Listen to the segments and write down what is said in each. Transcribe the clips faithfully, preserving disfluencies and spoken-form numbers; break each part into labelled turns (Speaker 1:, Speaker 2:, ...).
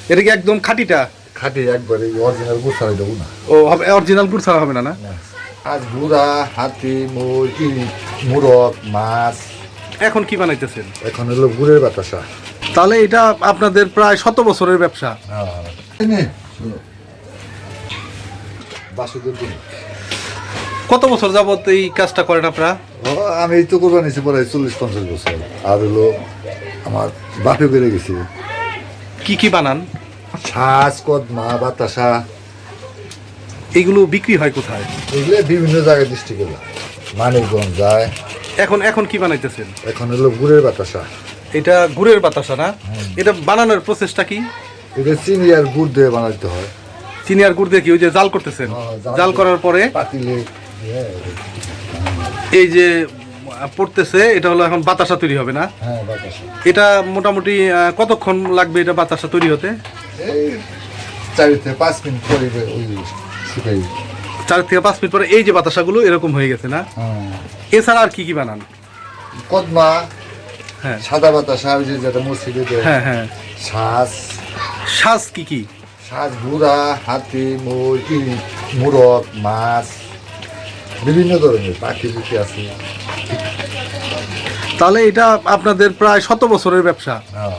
Speaker 1: এটা কি একদম খাঁটিটা?
Speaker 2: খাঁটি একবারে অরিজিনাল গুড় ছাড়াই দেবো না।
Speaker 1: ও হবে অরিজিনাল গুড় ছাড়া হবে না? না
Speaker 2: আজ গুড়া হাতি মুরগি মুরগ মাছ।
Speaker 1: এখন কি বানাইতেছেন?
Speaker 2: এখন হলো গুড়ের বাতাসা।
Speaker 1: তাহলে এটা আপনাদের প্রায় শত বছরের ব্যবসা। কত বছর যাবত এই কাজটা করেন আপনারা?
Speaker 2: আমি এই তো করবো নিয়েছি পরে চল্লিশ পঞ্চাশ বছর। আর হলো আমার বাপে বেড়ে গেছি।
Speaker 1: কি কি বানান?
Speaker 2: ছাঁচ কদমা বাতাসা।
Speaker 1: এগুলো বিক্রি হয় কোথায়?
Speaker 2: এগুলো বিভিন্ন জায়গায় ডিস্ট্রিক্টে যায়, মানিকগঞ্জ যায়।
Speaker 1: এখন এখন কি বানাইতেছেন?
Speaker 2: এখন হলো গুড়ের বাতাসা।
Speaker 1: এটা গুড়ের বাতাসা না? এটা বানানোর প্রসেসটা কি?
Speaker 2: এটা চিনি আর গুড় দিয়ে বানাইতে হয়।
Speaker 1: চিনি আর গুড় দিয়ে কি ওই যে জাল করতেছেন? জাল করার পরে
Speaker 2: পাতিলে
Speaker 1: এই যে পড়তেছে এটা হলো এখন বাতাসা তৈরি হবে না?
Speaker 2: হ্যাঁ বাতাসা।
Speaker 1: এটা মোটামুটি কতক্ষণ লাগবে এটা বাতাসা তৈরি হতে?
Speaker 2: এই চার থেকে পাঁচ মিনিট পরে ওই শুকাই।
Speaker 1: চার থেকে পাঁচ মিনিট পরে এই যে বাতাসাগুলো এরকম হয়ে গেছে না? এছাড়া আর কি কি বানান?
Speaker 2: কদমা,
Speaker 1: হ্যাঁ
Speaker 2: সাদা বাতাসা ওই যে যেটা মসজিদে দেয়।
Speaker 1: হ্যাঁ হ্যাঁ।
Speaker 2: শ্বাস
Speaker 1: শ্বাস কি কি?
Speaker 2: শ্বাস গুড়া হাতি মুরগি মুরগ মাছ বিভিন্ন ধরনের পাখি পুখি আছে।
Speaker 1: তাহলে এটা আপনাদের প্রায় শত বছরের ব্যবসা।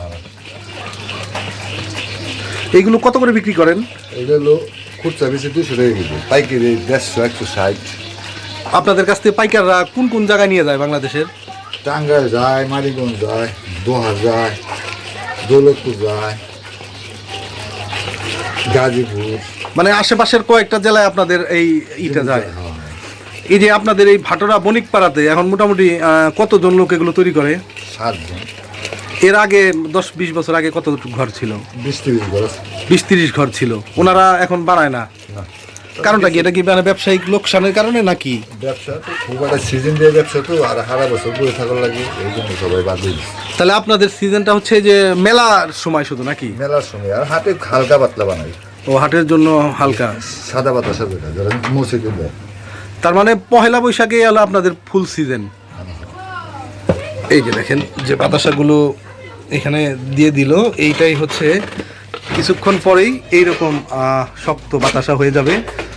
Speaker 1: এইগুলো কত করে বিক্রি করেন?
Speaker 2: এগুলো খুচরা বেশি দুশো টাকা কেজি, পাইকারি দেড়শো একশো ষাট।
Speaker 1: আপনাদের কাছ থেকে পাইকাররা কোন কোন জায়গায় নিয়ে যায় বাংলাদেশের?
Speaker 2: টাঙ্গাইল যায়, মানিকগঞ্জ যায়, দোহা যায়, দৌলতপুর যায়, গাজীপুর,
Speaker 1: মানে আশেপাশের কয়েকটা জেলায় আপনাদের এই ইটা যায়। এই যে আপনাদের এই ভাটোরা বণিক পাড়াতে এখন মোটামুটি কতজন লোক এগুলো তৈরি করে?
Speaker 2: সাতজন।
Speaker 1: এর আগে দশ বিশ বছর আগে কত ঘর ছিল?
Speaker 2: বিশ তিরিশ ঘর
Speaker 1: বিশ তিরিশ ঘর ছিল। ওনারা এখন বানায় না, কারণটা কি? এটা কি মানে ব্যবসায়িক লোকসানের কারণে নাকি?
Speaker 2: ব্যবসা তো খুব একটা সিজন দিয়ে ব্যবসা তো, আর সারা বছর বসে থাকার লাগে এই জন্য সবাই বাদ দিয়ে দিচ্ছে।
Speaker 1: তাহলে আপনাদের সিজনটা হচ্ছে যে মেলার সময় শুধু নাকি?
Speaker 2: মেলার সময় আর হাতে হালকা পাতলা বানাই।
Speaker 1: ও হাটের জন্য হালকা
Speaker 2: সাদা বাতাসা যেটা যারা মসজিদে দেয়।
Speaker 1: তার মানে পহেলা বৈশাখে হলো আপনাদের ফুল সিজন। এই যে দেখেন যে বাতাসাগুলো এখানে দিয়ে দিল, এইটাই হচ্ছে কিছুক্ষণ পরেই এইরকম শক্ত বাতাসা হয়ে যাবে।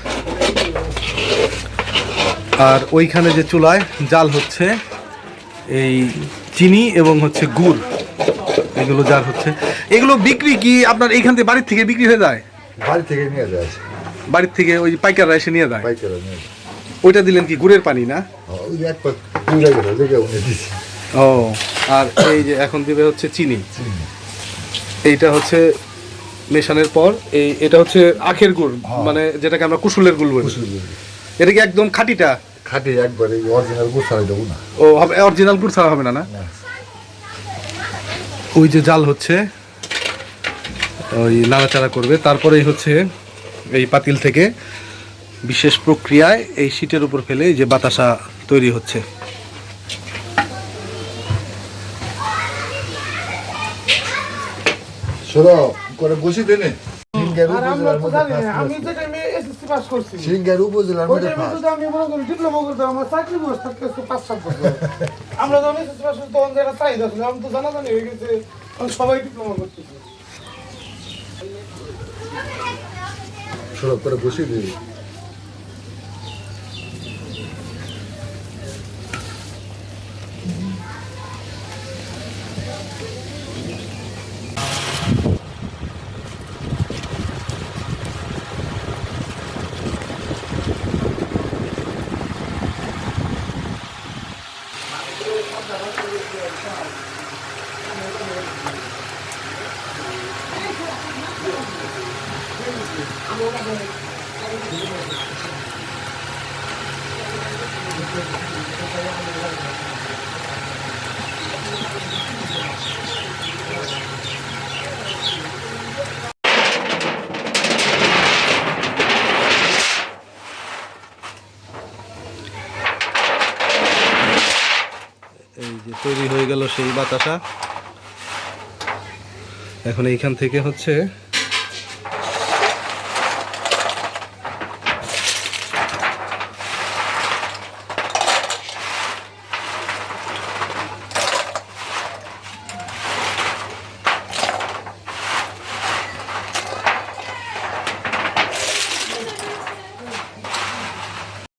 Speaker 1: আর ওইখানে যে চুলায় জাল হচ্ছে এই চিনি এবং হচ্ছে গুড়, এগুলো জাল হচ্ছে। এগুলো বিক্রি কি আপনার এইখান থেকে বাড়ির থেকে বিক্রি হয়ে যায়?
Speaker 2: বাড়ি থেকে নিয়ে যায়,
Speaker 1: বাড়ির থেকে ওই পাইকাররা এসে নিয়ে যায়।
Speaker 2: পাইকাররা নিয়ে যায়।
Speaker 1: ওইটা দিলেন কি গুড়ের পানি না?
Speaker 2: ওই এক পাক পুরা গেল দেখে উনি দিছি।
Speaker 1: ও আর এই যে এখন দিবে হচ্ছে চিনি। এইটা হচ্ছে মেশানোর পর এই এটা হচ্ছে আখের গুড়, মানে যেটাকে আমরা কুসুলের গুড় বলি। এটা কি একদম খাঁটিটা?
Speaker 2: খাঁটি একবারে অরিজিনাল গুড় ছাড়াই দেবো না।
Speaker 1: ও হবে অরিজিনাল গুড় ছাড়া হবে না? না ওই যে জাল হচ্ছে ওই নাড়াচাড়া করবে, তারপরেই হচ্ছে এই পাতিল থেকে বিশেষ প্রক্রিয়ায় এই শীটের উপর ফেলে যে বাতাসা তৈরি হচ্ছে।
Speaker 2: শোনো করে বসি দেনে সিঙ্গার উপজেলার মধ্যে
Speaker 3: সবাই ডিপ্লোমা করতেছে।
Speaker 2: সড়ক করে বসিয়ে দিই।
Speaker 1: এই যে তৈরি হয়ে গেল সেই বাতাসা। এখন এইখান থেকে হচ্ছে